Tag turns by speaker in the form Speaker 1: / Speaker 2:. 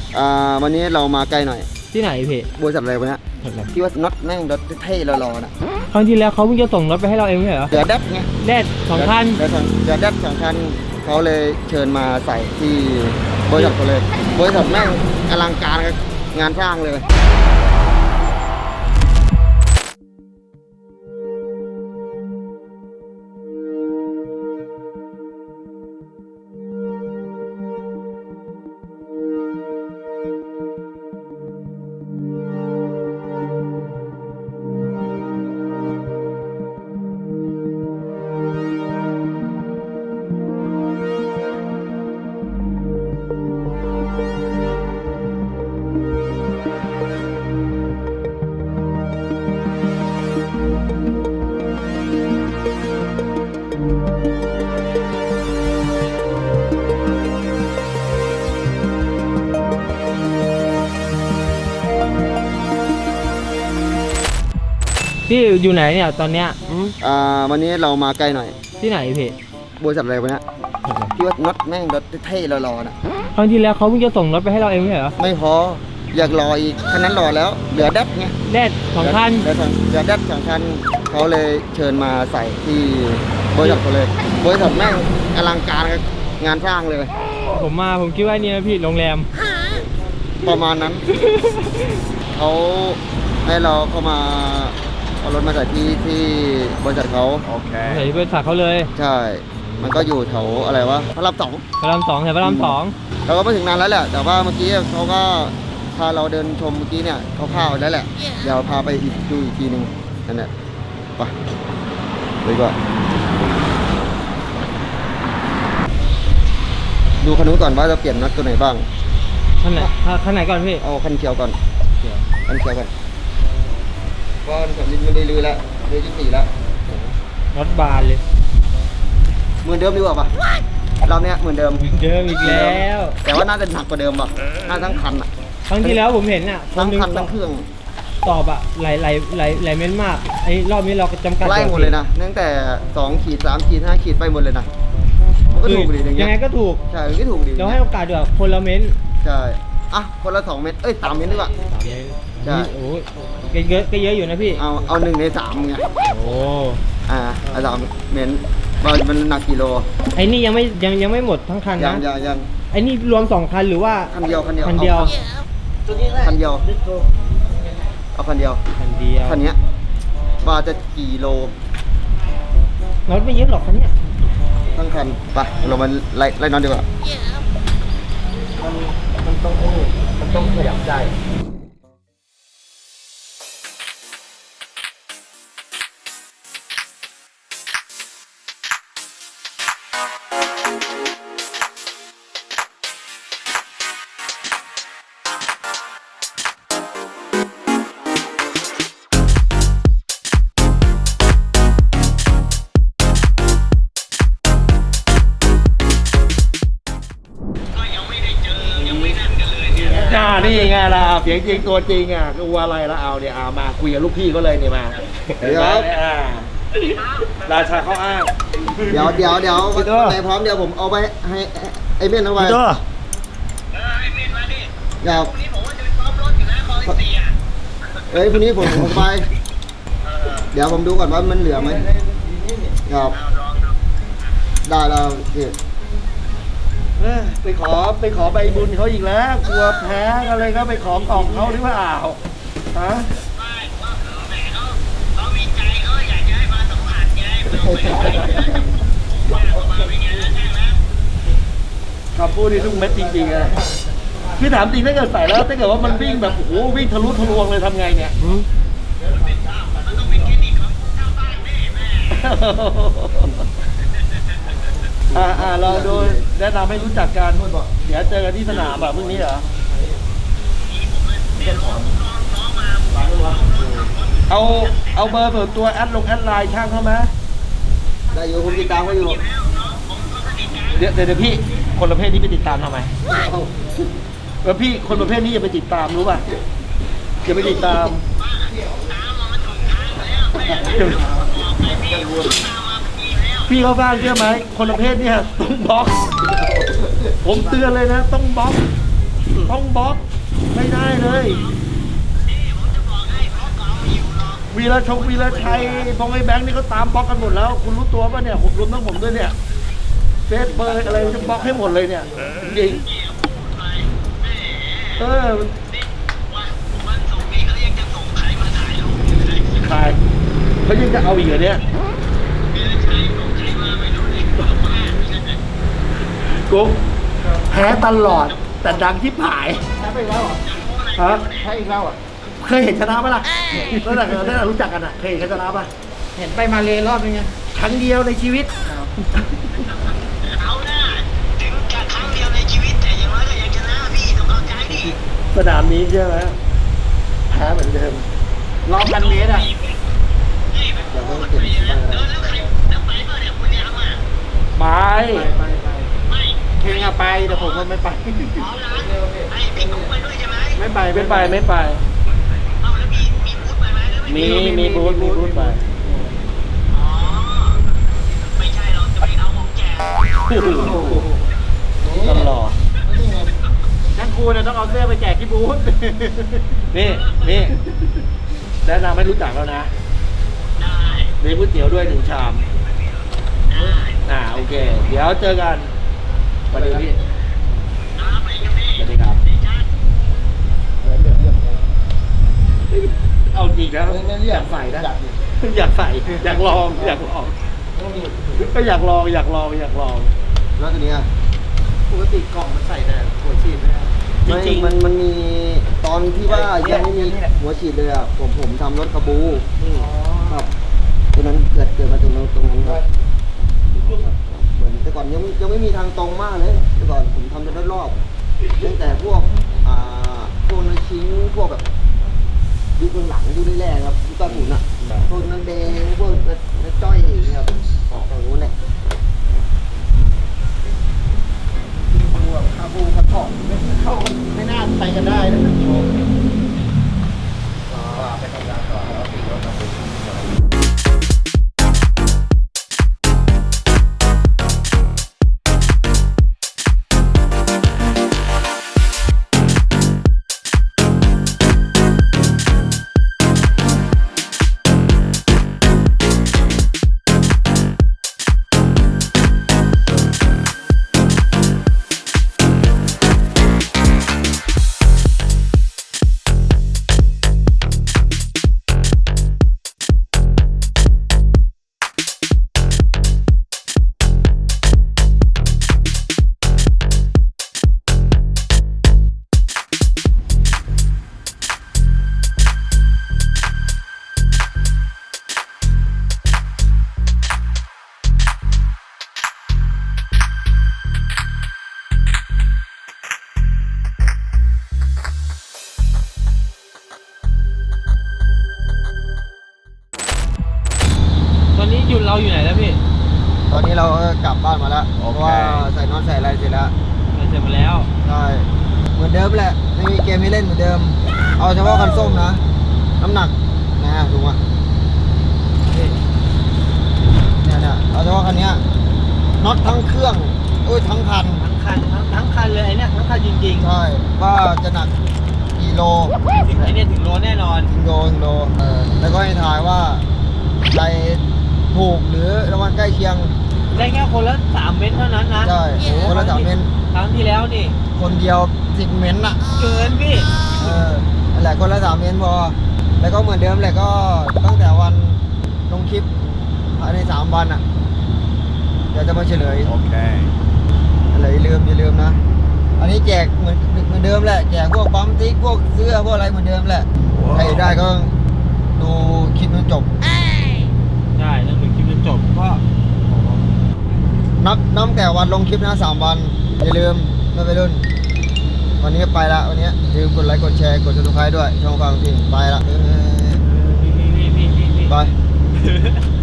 Speaker 1: วันนี้เรามาใกล้หน่อย
Speaker 2: ที่ไหนพี่
Speaker 1: บริษัทอะไรวะเนี่ยที่ว่าน็อตแม่งรถเท่รอๆนะ
Speaker 2: ครั้งที่แล้วเขาเพิ่งจะส่งรถไปให้เราเองไม่เหรอ
Speaker 1: เดือดแดดไง
Speaker 2: แดด2 คัน
Speaker 1: เดือดแดด2 คันเขาเลยเชิญมาใส่ที่บริษัทเขาเลยบริษัทแม่งอลังการงานสร้างเลย
Speaker 2: พี่อยู่ไหนเนี่ยตอนเนี้ย
Speaker 1: วันนี้เรามาใกล้หน่อย
Speaker 2: ที่ไหนพี่
Speaker 1: บริษัทอะไรวะเนี่ยที่ว่าน็อตแม่งรถเท่รอๆนะ
Speaker 2: ครั้งที่แล้วเขาเพิ่งจะส่งรถไปให้เราเองไม่เหรอ
Speaker 1: ไม่พออยากรออีกคันนั้นรอแล้วเหลือแดดไง
Speaker 2: แดด2 คัน
Speaker 1: เหลือแดด2 คันเขาเลยเชิญมาใส่ที่บริษัทเขาเลยบริษัทแม่งอลังการงานสร้างเลย
Speaker 2: ผมคิดว่านี่นะพี่โรงแรม
Speaker 1: ประมาณนั้นเขาให้เราเข้ามาเอารถมาใส่ที่บริษัทเขา
Speaker 2: ใส่ที่บริษัทเขาเลย
Speaker 1: ใช่มันก็อยู่แถวอะไรวะพระราม 2
Speaker 2: แถวพระราม 2
Speaker 1: เราก็ไม่ถึงนานแล้วแหละแต่ว่าเมื่อกี้เขาก็พาเราเดินชมเมื่อกี้เนี่ยเขาพาไปแล้วแหละเดี๋ยวพาไปดูอีกทีนึงนั่นแหละไปดีกว่าดูคันนู้นก่อนว่าจะเปลี่ยนน็อตตัวไหนบ้าง
Speaker 2: คันไหนก่อนพี่
Speaker 1: เอาคันเขียวก่อนคันเขียวก่อนก็ผมไม่ได้ลื้อแล้วลื้อ24แล้ว
Speaker 2: รถบานเลย
Speaker 1: เหมือนเดิมดีกว่าปะเราเนี้ยเหมือนเดิม
Speaker 2: อีกแล้ว
Speaker 1: แต่ว่าน่าจะหนักกว่าเดิมป่ะน่าทั้งคันอ่ะ
Speaker 2: ครั้งที่แล้วผมเห็นอ่ะ
Speaker 1: ทั้งคันทั้งเครื่อง
Speaker 2: ตอบอ่ะหลายเม้นมากไอ้รอบนี้เราจำกัด
Speaker 1: ไล่หมดเลยนะตั้งแต่2 ขีด 3 ขีด 5 ขีดไปหมดเลยนะก็ถูกดีอย่างเงี้ย
Speaker 2: ยังไงก็ถูก
Speaker 1: ใช่ก็ถูกดี
Speaker 2: เราให้โอกาสด้วยคนละเม้น
Speaker 1: ใช่อ่ะคนละ2 เม็ด3 เม็ดดีกว่า
Speaker 2: ใช่โอ้ยก็เยอะอยู่นะพี่
Speaker 1: เอา1 ใน 3ไง
Speaker 2: โอ้
Speaker 1: 3 เม็ดมันหนักกิโล
Speaker 2: ไอ้นี่ยังไม่หมดทั้งคันนะ
Speaker 1: ยัง
Speaker 2: ไอ้นี่รวม2 คันหรือว่า
Speaker 1: คันเดียว
Speaker 2: คันเดียว
Speaker 1: เอาคันเดียวคันเนี้ยว่าจะกี่โล
Speaker 2: น็อตไม่เยอะหรอกคันเนี้ย
Speaker 1: ทั้งคันไปเรามาไล่น็อตดีกว่ามันต้องขยับใจ
Speaker 3: นี่ไงล่ะเสียงจริงตัวจริงอ่ะกลัวอะไรละเอาเนี่ยมาคุยกับลูกพี่ก็เลยเนี่ยมา
Speaker 1: ครับ
Speaker 3: ราชาเขาอ้าง
Speaker 1: เดี๋ยวไหนพร้อมเดี๋ยวผมเอาไปให้ไอ้เม่นเอาไป
Speaker 3: ไอ้เม่นมาดิ
Speaker 1: ครับ
Speaker 3: พรุ่งนี้ผมว่าจะไปซ้อมรถอยู่นะคอ14อ่ะ
Speaker 1: พรุ่งนี้ผมไปเดี๋ยวผมดูก่อนว่ามันเหลือไหมครับได้แล้ว
Speaker 3: ไปขอใบบุญเขาอีกแล้วกลัวแพ้กันเลยก็ไปขอกล่องเขาหรือเปล่าฮะ
Speaker 4: ไม่ว่าแหมเขามีใจเขาอยากจะให้มาสัมผัสไงไม่ต้องไปมาเป็นไงแล้วแจ้งแล้ว
Speaker 3: คำพูดนี่ทุกเม็ดจริงๆอะพี่ถามจริงถ้าเกิดใส่แล้วถ้าเกิดว่ามันวิ่งแบบโอ้โหวิ่งทะลุทะลวงเลยทำไงเนี่ย
Speaker 4: มันต้องเป็นเครดิตของเจ้าบ้านแม่
Speaker 3: เราดูแนะนำให้รู้จักกันเดี๋ยวเจอกันที่สนามแบบพรุ่งนี้เหรอเอาเบอร์ส่วนตัวแอดไลน์ช่างเขาไหม
Speaker 1: ได้อยู่คุณติดตามเขาอยู่
Speaker 3: เดี๋ยวพี่คนประเภทนี้ไปติดตามทำไมแล้วพี่คนประเภทนี้อย่าไปติดตามรู้ป่ะอย่าไปติดตามพี่เขาบ้างเชื่อไหมคนประเภทนี้ต้องบล็อกผมเตือนเลยนะต้องบล็อกต้องบล็อกไม่ได้เลยวีรชัยพงไอ้แบงค์นี่เขาตามบล็อกกันหมดแล้ว คุณรู้ตัวป่ะเนี่ยผมรวมทั้งผมด้วยเนี่ยเฟซเบอร์อะไรจะบล็อกให้หมดเลยเนี่ยจริง
Speaker 4: วันส่งนี้เขายังจะส่งใครมาถ่ายรูปอยู่เลย
Speaker 3: ใครเขายังจะเอาอีกเหรอเนี่ย
Speaker 4: มีใครส่งใครมาไม่รู้เลยบอกว่า
Speaker 3: กุ๊กแพ้ตลอดแต่ดังที่ผาย
Speaker 1: แพ้ไปแล้วเหรอ
Speaker 3: ฮะ
Speaker 1: แพ้อีกแล้วอ่ะ
Speaker 3: เคยเห็นชนะปะล่ะตั้งแต่รู้จักกันอ่ะเคยเห็นชนะปะ
Speaker 2: เห็นไปมาเลรอบนึงไง
Speaker 3: ครั้งเดียวในชีวิต
Speaker 4: เอาหน้าถึงจะครั้งเดียวในชีวิตแต่อย่างน้อยก็ยังชนะพี่ต้องเข้าใจดิ
Speaker 3: สนามนี้ใช่ไหมแพ้เหมือนเดิม
Speaker 2: รอบ1,000 เมตรอ่ะ
Speaker 4: นี่แบบโคตรไปนะแล้วใครแล้วไปป่ะเนี่ยคุณยามอ่ะ
Speaker 3: ไป
Speaker 4: ไม่
Speaker 2: เพลงอะไปแต่ผมก็ไม่ไป
Speaker 4: อ๋อละไอ้พี่กุ๊กไปด้วยใช่ไหม
Speaker 2: ไม่ไป
Speaker 3: ไม่ไปไม่ไป
Speaker 4: เอาแล้วมีบูธไปไหมหรือไม่
Speaker 3: มีบูธไป
Speaker 4: อ๋อไม่ใช่เราจะไม่เอาของแจก
Speaker 3: ตลอด
Speaker 2: งั้นครูเนี่ยต้องเอาเสื้อไปแจกที่บูธ
Speaker 3: นี่แนะนำให้รู้จักแล้วนะ
Speaker 4: ได้
Speaker 3: มีก๋วยเตี๋ยวด้วย1 ชาม
Speaker 4: ได้
Speaker 3: โอเค เดี๋ยวเจอกันสวัสดีพี่
Speaker 4: ไปกับพี่
Speaker 3: สวัสดีครับ เอาจริงแล้วอยากใส่นะอยากใส่อยากลองก็อยากลอง
Speaker 1: แล้วตัวเนี้ย
Speaker 2: ปกติกล่องมันใส่แต่หัวฉีดนะ
Speaker 3: จริงๆ
Speaker 1: มันมีตอนที่ว่ายังไม่มีหัวฉีดเลยอ่ะผมทำรถคาบูครับตัวนั้นเกิดมาตรงนั้นครับเหมือนแต่ก่อนยังไม่มีทางตรงมากเลยแต่ก่อนผมทำแต่รอบๆตั้งแต่พวกพวกนักชิ้นพวกแบบยุคหลังยุคแรกๆครับยุค90อ่ะพวกนักแดงพวกนักจ้อยเนี่ยครับออกทางนู้นแหละคาบูกระถอกเข้าไม่น่าไปกันได้นะโชว์ไปทำงานต่อแล้วปีรถมา
Speaker 2: ตอนนี้หยุดเราอยู่ไหนแล้วพี่
Speaker 1: ตอนนี้เราก็กลับบ้านมาแล้วเพราะว่าใส่น็อตใส่อะไรเสร็จแล้ว
Speaker 2: เราเสร็จมาแล้ว
Speaker 1: ใช่เหมือนเดิมแหละไม่มีเกมให้เล่นเหมือนเดิม เอาเฉพาะคันส้มนะ น้ำหนักนะถูกไหมเนี่ยเอาเฉพาะคันเนี้ยน็อตทั้งเครื่องทั้งคัน
Speaker 2: ทั้งคันเลยไอ้เนี่ยทั้งคันจริง
Speaker 1: ใช่ว่าจะหนักกี่โล
Speaker 2: ๆถึงไอ้เนี่ยถึงโลแน่นอน
Speaker 1: ถึงโลแล้วก็ให้ทายว่าใครถูกหรือรางวัลใกล้เคียง
Speaker 2: ได้แค่คนละ3 เม็ดเท่านั้นนะ
Speaker 1: ใช่คนละ3 เมตร
Speaker 2: ครั้งที่แล้วนี่
Speaker 1: คนเดียว10 เมตรน่ะ
Speaker 2: เกินพี่
Speaker 1: นั่นแหละคนละ3 เมตรพอแล้วก็เหมือนเดิมแหละก็ตั้งแต่วันลงคลิปภายใน3 วันอ่ะเดี๋ยวจะมาเฉลยโอเคอะไรอย่าลืมนะ อันนี้แจกเหมือนเดิมแหละแจกพวกปั๊มติ๊กพวกเสื้อพวกอะไรเหมือนเดิมแหละใครได้ก็ดูคลิปจนจบ
Speaker 2: ใช่ต้องดูคลิปจนจบก็
Speaker 1: นับแต่วันลงคลิปนะ3 วันอย่าลืมไม่ไปรุ่น วันนี้ไปละวันนี้อย่าลืมกดไลค์กดแชร์กดซับสไครต์ด้วยช่องฟังทีไปละ
Speaker 2: พี่
Speaker 1: ไป